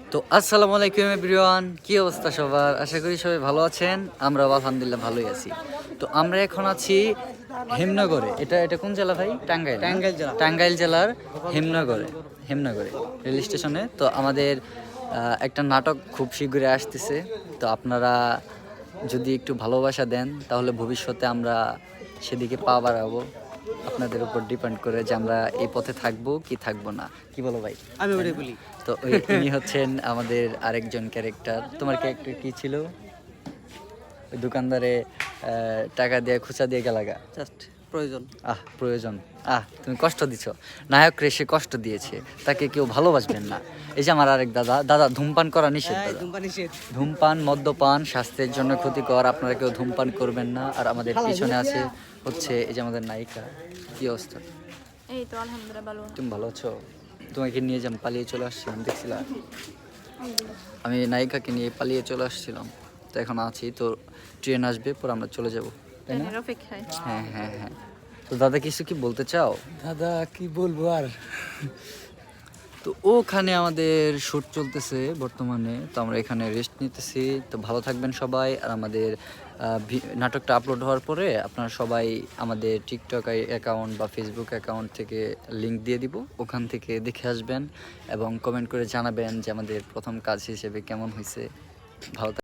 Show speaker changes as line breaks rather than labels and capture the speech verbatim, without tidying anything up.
তো আসসালামু আলাইকুম এভরিওয়ান, কি অবস্থা সবার? আশা করি সবাই ভালো আছেন। আমরাও আলহামদুলিল্লাহ ভালোই আছি। তো আমরা এখন আছি হেমনগরে। এটা এটা কোন জেলা ভাই? টাঙ্গাইল।
টাঙ্গাইল জেলা।
টাঙ্গাইল জেলার হেমনগরে হেমনগরে রেল স্টেশনে। তো আমাদের আহ, একটা নাটক খুব শীঘ্রই আসতেছে। তো আপনারা যদি একটু ভালোবাসা দেন তাহলে ভবিষ্যতে আমরা সেদিকে পা বাড়াবো। আপনাদের উপর ডিপেন্ড করে যে আমরা এই পথে থাকবো কি থাকবো না। কি বলো ভাই?
আমি ওটাই বলি।
তো ওই- ইনি হচ্ছেন আমাদের আরেকজন ক্যারেক্টার। তোমার ক্যারেক্টার কি ছিল? ওই দোকানদারে আহ, টাকা দিয়ে খুচা দিয়ে গেলাগা।
জাস্ট প্রয়োজন।
আহ প্রয়োজন। আহ তুমি কষ্ট দিছো। নায়ক রেসে কষ্ট দিয়েছে, তাকে কেউ ভালোবাসবেন না। এই যে আমার আরেক দাদা দাদা ধূমপান করা নিষেধ
এই
দাদা।
ধূমপান নিষেধ।
ধূমপান মদ্যপান স্বাস্থ্যের জন্য ক্ষতিকর, আপনারা কেউ ধূমপান করবেন না। আর আমাদের পিছনে আছে হচ্ছে এই যে আমাদের নায়িকা। কি অবস্থা?
এই তো আলহামদুলিল্লাহ ভালো।
তুমি ভালো আছো? তোমাকে নিয়ে যেমন পালিয়ে চলে আসছিলাম, দেখছিলাম
আলহামদুলিল্লাহ।
আমি নায়িকাকে নিয়ে পালিয়ে চলে আসছিলাম। তো এখন আছি, তো ট্রেন আসবে, পর আমরা চলে যাব, তাই না?
ট্রেনের অপেক্ষায়।
হ্যাঁ হ্যাঁ হ্যাঁ। তো দাদা কিছু কি বলতে চাও?
দাদা কি বলবো আর।
তো ওখানে আমাদের শ্যুট চলতেছে বর্তমানে, তো আমরা এখানে রেস্ট নিতেছি। তো ভালো থাকবেন সবাই। আর আমাদের আহ, ভি- নাটকটা আপলোড হওয়ার পরে আপনারা সবাই আমাদের টিকটক অ্যাকাউন্ট বা ফেসবুক অ্যাকাউন্ট থেকে লিংক দিয়ে দিব, ওখান থেকে দেখে আসবেন এবং কমেন্ট করে জানাবেন যে আমাদের প্রথম কাজ হিসেবে কেমন হয়েছে। ভালো থাক-